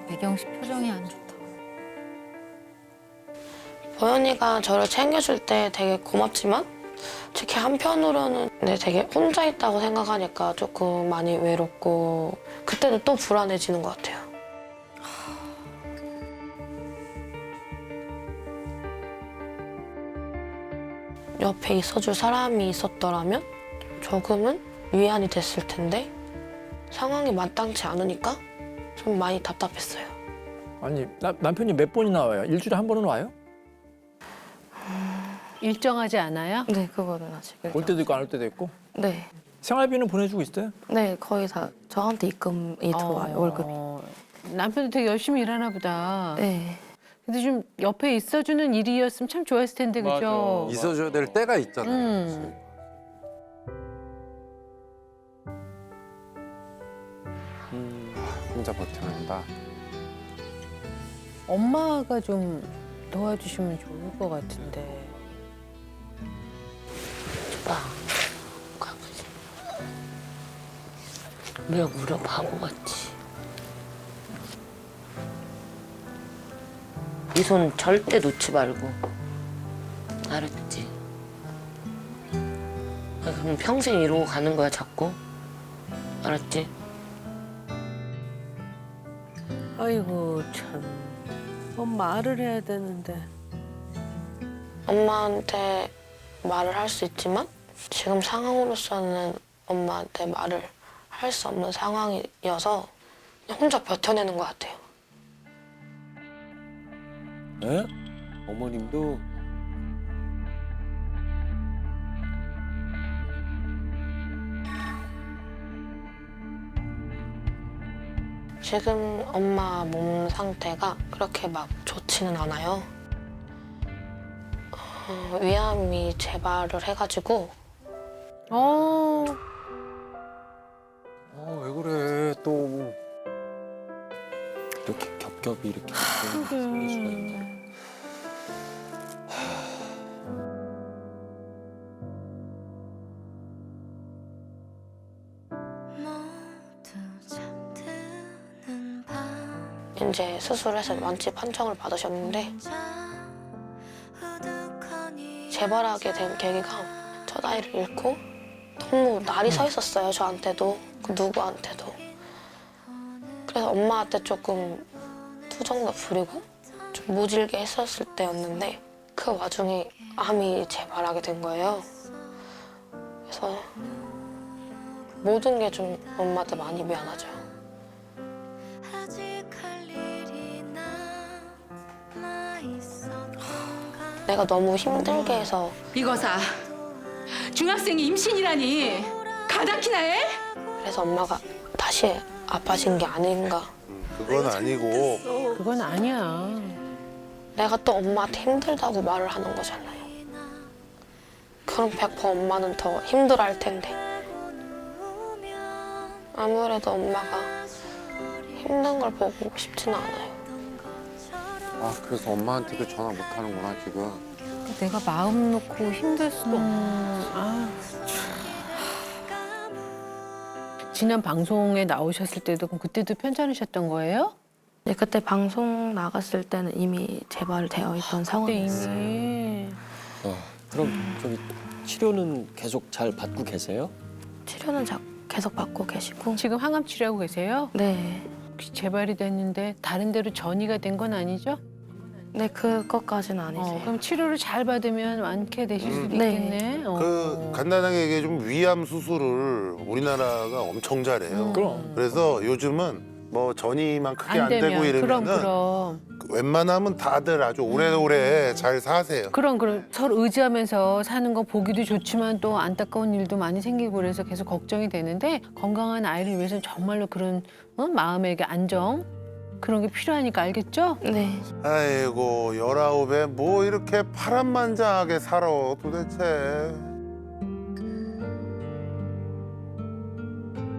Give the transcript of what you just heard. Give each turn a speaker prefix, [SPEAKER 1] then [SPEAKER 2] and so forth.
[SPEAKER 1] 배경 씨 표정이 안 좋다.
[SPEAKER 2] 보현이가 저를 챙겨줄 때 되게 고맙지만 특히 한편으로는 근데 되게 혼자 있다고 생각하니까 조금 많이 외롭고 그때는 또 불안해지는 것 같아요. 옆에 있어줄 사람이 있었더라면 조금은 위안이 됐을 텐데 상황이 마땅치 않으니까 좀 많이 답답했어요.
[SPEAKER 3] 아니 남편이 몇 번이나 와요? 일주일에 한 번은 와요?
[SPEAKER 1] 일정하지 않아요?
[SPEAKER 2] 네, 그거는 아직.
[SPEAKER 3] 올 때도 있고 안 올 때도 있고.
[SPEAKER 2] 네.
[SPEAKER 3] 생활비는 보내주고 있어요?
[SPEAKER 2] 네, 거의 다 저한테 입금이 들어와요, 월급이.
[SPEAKER 1] 남편도 되게 열심히 일하나 보다.
[SPEAKER 2] 네.
[SPEAKER 1] 근데 좀 옆에 있어주는 일이었으면 참 좋았을 텐데, 그죠?
[SPEAKER 4] 있어줘야 될 때가 있잖아요. 혼자 버텨낸다.
[SPEAKER 1] 엄마가 좀 도와주시면 좋을 것 같은데.
[SPEAKER 2] 오빠, 가보자. 왜 울어, 바보같이. 이 손 절대 놓지 말고. 알았지? 그럼 평생 이러고 가는 거야, 자꾸. 알았지?
[SPEAKER 5] 아이고 참. 말을 해야 되는데.
[SPEAKER 2] 엄마한테 말을 할 수 있지만 지금 상황으로서는 엄마한테 말을 할 수 없는 상황이어서 그냥 혼자 버텨내는 것 같아요.
[SPEAKER 4] 네? 어머님도
[SPEAKER 2] 지금 엄마 몸 상태가 그렇게 막 좋지는 않아요. 위암이 재발을 해가지고
[SPEAKER 4] 왜 그래 또 이렇게 겹겹이 이렇게 생기시는데.
[SPEAKER 2] 이제 수술해서 완치 판정을 받으셨는데 재발하게 된 계기가 첫 아이를 잃고 너무 날이 서 있었어요. 저한테도 그 누구한테도. 그래서 엄마한테 조금 투정도 부리고 좀 모질게 했었을 때였는데 그 와중에 암이 재발하게 된 거예요. 그래서 모든 게 좀 엄마한테 많이 미안하죠. 내가 너무 힘들게 해서
[SPEAKER 6] 이거사 중학생이 임신이라니 가다키나 해?
[SPEAKER 2] 그래서 엄마가 다시 아파진 게 아닌가.
[SPEAKER 7] 그건 아니고
[SPEAKER 1] 그건 아니야.
[SPEAKER 2] 내가 또 엄마한테 힘들다고 말을 하는 거잖아요. 그럼 100% 엄마는 더 힘들어할 텐데. 아무래도 엄마가 힘든 걸 보고 싶지는 않아요.
[SPEAKER 4] 아 그래서 엄마한테도 전화 못 하는구나 지금.
[SPEAKER 1] 내가 마음 놓고 힘들 수도 지난 방송에 나오셨을 때도 그럼 그때도 편찮으셨던 거예요?
[SPEAKER 2] 네, 그때 방송 나갔을 때는 이미 재발되어 있던
[SPEAKER 1] 그때
[SPEAKER 2] 상황이었어요.
[SPEAKER 1] 이미.
[SPEAKER 8] 그럼 저기 치료는 계속 잘 받고 계세요?
[SPEAKER 2] 치료는 계속 받고 계시고.
[SPEAKER 1] 지금 항암 치료하고 계세요?
[SPEAKER 2] 네.
[SPEAKER 1] 혹시 재발이 됐는데 다른 데로 전이가 된 건 아니죠?
[SPEAKER 2] 네, 그것까지는 아니세요.
[SPEAKER 1] 그럼 치료를 잘 받으면 완쾌되실 수도
[SPEAKER 2] 네.
[SPEAKER 1] 있겠네.
[SPEAKER 7] 그 간단하게 얘기해 좀 위암 수술을 우리나라가 엄청 잘해요.
[SPEAKER 3] 그럼.
[SPEAKER 7] 그래서 요즘은 뭐 전이만 크게 안 되고
[SPEAKER 1] 되면
[SPEAKER 7] 이러면은
[SPEAKER 1] 그럼.
[SPEAKER 7] 웬만하면 다들 아주 오래오래 잘 사세요.
[SPEAKER 1] 그럼 서로 의지하면서 사는 거 보기도 좋지만 또 안타까운 일도 많이 생기고 그래서 계속 걱정이 되는데 건강한 아이를 위해서는 정말로 그런 마음의 안정 그런 게 필요하니까 알겠죠?
[SPEAKER 2] 네.
[SPEAKER 7] 아이고 19에 뭐 이렇게 파란만장하게 살아 도대체.